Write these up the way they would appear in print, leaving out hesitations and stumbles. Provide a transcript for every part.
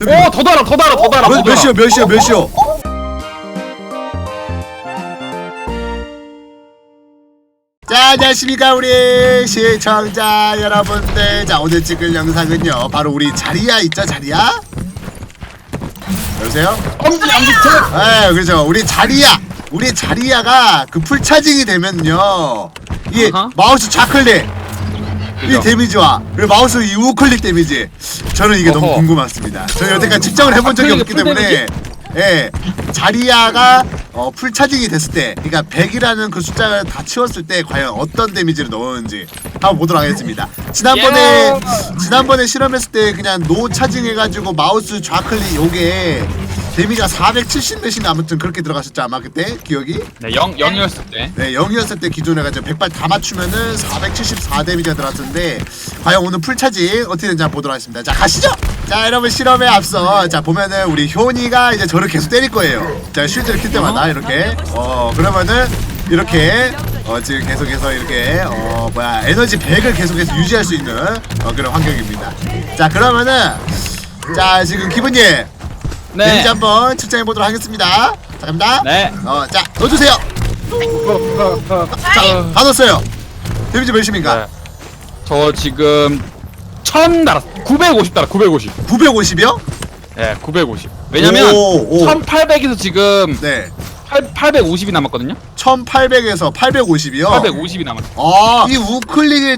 더 달아 더 달아 더 달아. 몇이요? 자, 안녕하십니까 우리 시청자 여러분들. 자, 오늘 찍을 영상은요 바로 우리 자리야 있죠? 자리야? 여보세요? 엄지 네, 그렇죠. 우리 자리야가 그 풀차징이 되면요 이 마우스 좌클릭 이 데미지와 그리고 마우스 이 우클릭 데미지, 저는 이게 너무 궁금했습니다. 저는 여태까지 측정을 해본 적이 없기 때문에 예, 자리야가 풀차징이 됐을 때, 그러니까 100이라는 그 숫자를 다 치웠을 때 과연 어떤 데미지를 넣었는지 한번 보도록 하겠습니다. 지난번에 실험했을 때 그냥 노 차징 해가지고 마우스 좌클릭 요게 데미지가 470 몇인가 아무튼 그렇게 들어갔었죠 아마 그때 기억이? 네, 0이었을 때. 네, 0이었을 때 기존에 가지고 100발 다 맞추면은 474 데미지가 들어갔는데 과연 오늘 풀차징 어떻게 되는지 한번 보도록 하겠습니다. 자, 가시죠. 자, 여러분 실험에 앞서 자 보면은 우리 효니가 이제 저를 계속 때릴 거예요. 자, 쉴드를 킬 때마다 이렇게 그러면은 이렇게 지금 계속해서 이렇게 에너지 100을 계속해서 유지할 수 있는 그런 환경입니다. 자, 그러면은 자 지금 기분님 데미지 한번 측정해 보도록 하겠습니다. 자, 갑니다. 네. 자, 넣어주세요. 자, 다 넣었어요. 데미지 몇입니까? 네. 저 지금 1000 달았어. 950 달아. 950. 950이요? 네, 950. 왜냐면 1800에서 지금 네. 850이 남았거든요. 1800에서 850이요? 850이 남았어. 이 우클릭의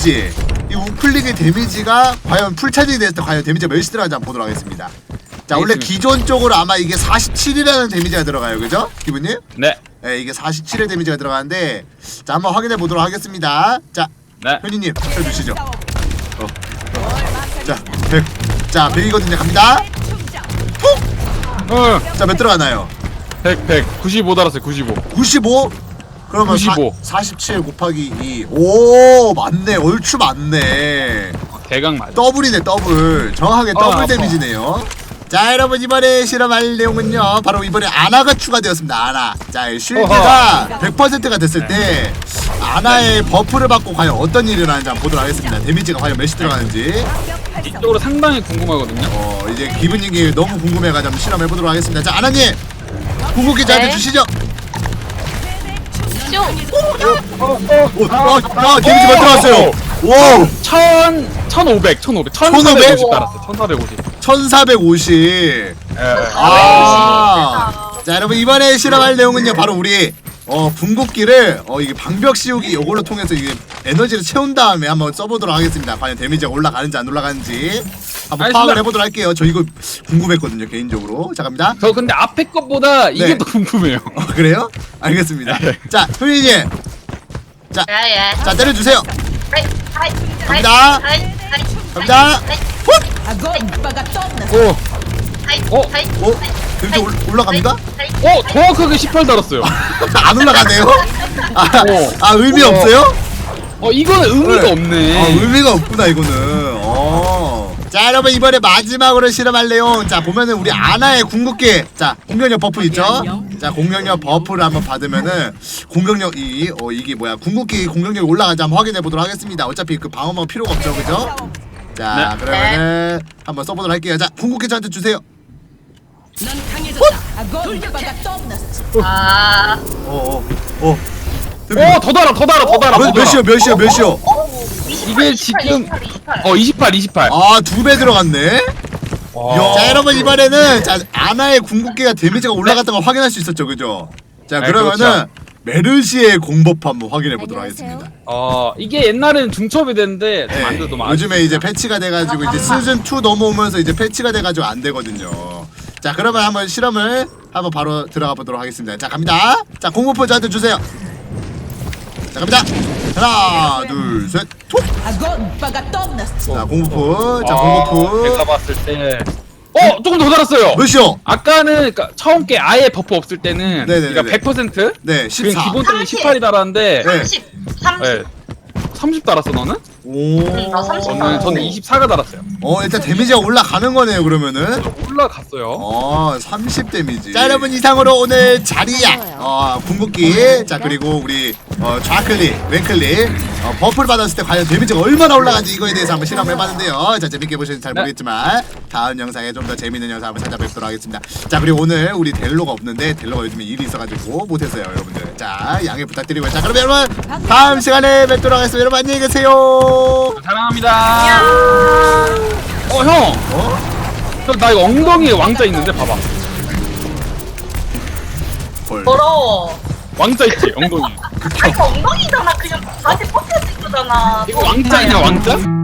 데미지가 과연 풀차징이 됐을 때 과연 데미지가 몇이 들어가는지 한번 보도록 하겠습니다. 자, 원래 기존적으로 아마 이게 47이라는 데미지가 들어가요, 그죠? 기분님? 네. 네, 이게 47의 데미지가 들어가는데, 자, 한번 확인해 보도록 하겠습니다. 자, 네. 현이님, 쳐주시죠. 자, 100. 자, 100이거든요. 갑니다. 톡! 자, 몇 들어가나요? 100. 95 달았어요. 95. 95? 그러면 95. 47 곱하기 2. 오, 맞네. 얼추 맞네. 대강 맞아. 더블이네, 더블. 정확하게 더블 아파. 데미지네요. 자, 여러분 이번에 실험할 내용은요 바로 이번에 아나가 추가되었습니다. 아나. 자, 쉴드가 100%가 됐을 때 아나의 버프를 받고 과연 어떤 일이 일어나는지 한번 보도록 하겠습니다. 데미지가 과연 몇이 들어가는지 이쪽으로 상당히 궁금하거든요. 이제 기분님이 너무 궁금해가지고 한번 실험해보도록 하겠습니다. 자, 아나님 궁극기 저한테 주시죠. 데미지 몇 들어갔어요? 오! 1500 1450 달았어. 1450. 1450. 자, 여러분 이번에 실험할 내용은요 바로 우리 궁극기를 이게 방벽 씌우기 요걸로 통해서 이게 에너지를 채운 다음에 한번 써보도록 하겠습니다. 과연 데미지가 올라가는지 안 올라가는지 한번 파악을 해보도록 할게요. 저 이거 궁금했거든요 개인적으로. 자, 갑니다. 저 근데 앞에 것보다 이게 더 궁금해요. 그래요? 알겠습니다. 자, 효리님. 자, 자, 때려주세요. 갑니다. 갑니다. 데미지 올라갑니까? 정확하게 18 달았어요. 안 올라가네요? 의미 없어요? 이거는 의미가 없네. 의미가 없구나 이거는. 자, 여러분 이번에 마지막으로 실험할 내용. 자, 보면은 우리 아나의 궁극기. 자, 공격력 버프 있죠? 자, 공격력 버프를 한번 받으면은 공격력이 이게 뭐야? 궁극기 공격력이 올라가는지 한번 확인해 보도록 하겠습니다. 어차피 그 방어막 필요가 없죠, 그죠? 자, 그러면은 한번 써보도록 할게요. 자, 궁극기 저한테 주세요. 더 달아 더 달아. 몇이요? 이게 지금 28. 2배 들어갔네. 자, 여러분 이번에는 자 아나의 궁극기가 데미지가 올라갔던 걸 확인할 수 있었죠, 그죠? 자, 그러면은 그렇죠. 메르시의 공법 한번 확인해 보도록 하겠습니다. 이게 옛날에는 중첩이 됐는데 네, 요즘에 이제 패치가 돼가지고 이제 시즌 2 넘어오면서 이제 패치가 돼가지고 안 되거든요. 자, 그러면 한번 실험을 한번 바로 들어가 보도록 하겠습니다. 자, 갑니다. 자, 공포포 저한테 주세요. 자, 갑니다. 하나, 둘, 셋, 톡. 자, 공포포. 자, 공포포. 내가 봤을 때 조금 더 달았어요. 몇이요? 아까는 그러니까 처음 게 아예 버프 없을 때는 네네네네. 그러니까 100%? 네, 14. 기본적인 18이 달았는데 네. 30 30 달았어 너는? 오. 나 30. 저는 24가 달았어요. 일단 데미지가 올라가는 거네요 그러면은. 올라갔어요. 30 데미지. 자 여러분 이상으로 오늘 자리야 궁극기 자 그리고 우리 좌클릭 왼클릭 버프를 받았을 때 과연 데미지가 얼마나 올라간지 이거에 대해서 한번 실험을 해봤는데요. 자 재밌게 보셨는지 잘 모르겠지만 다음 영상에 좀 더 재밌는 영상 한번 찾아뵙도록 하겠습니다. 자 그리고 오늘 우리 델로가 없는데 델로가 요즘에 일이 있어가지고 못했어요 여러분들. 자 양해 부탁드리고요. 자 그럼 여러분 다음 시간에 뵙도록 하겠습니다. 여러분 안녕히 계세요. 사랑합니다. 형. 형, 나 이거 엉덩이에 왕자 있는데 봐봐. 헐. 더러워. 왕자 있지 엉덩이. 아 이거 엉덩이잖아. 그냥 바지 포켓 입고잖아. 이거 왕자이냐 왕자?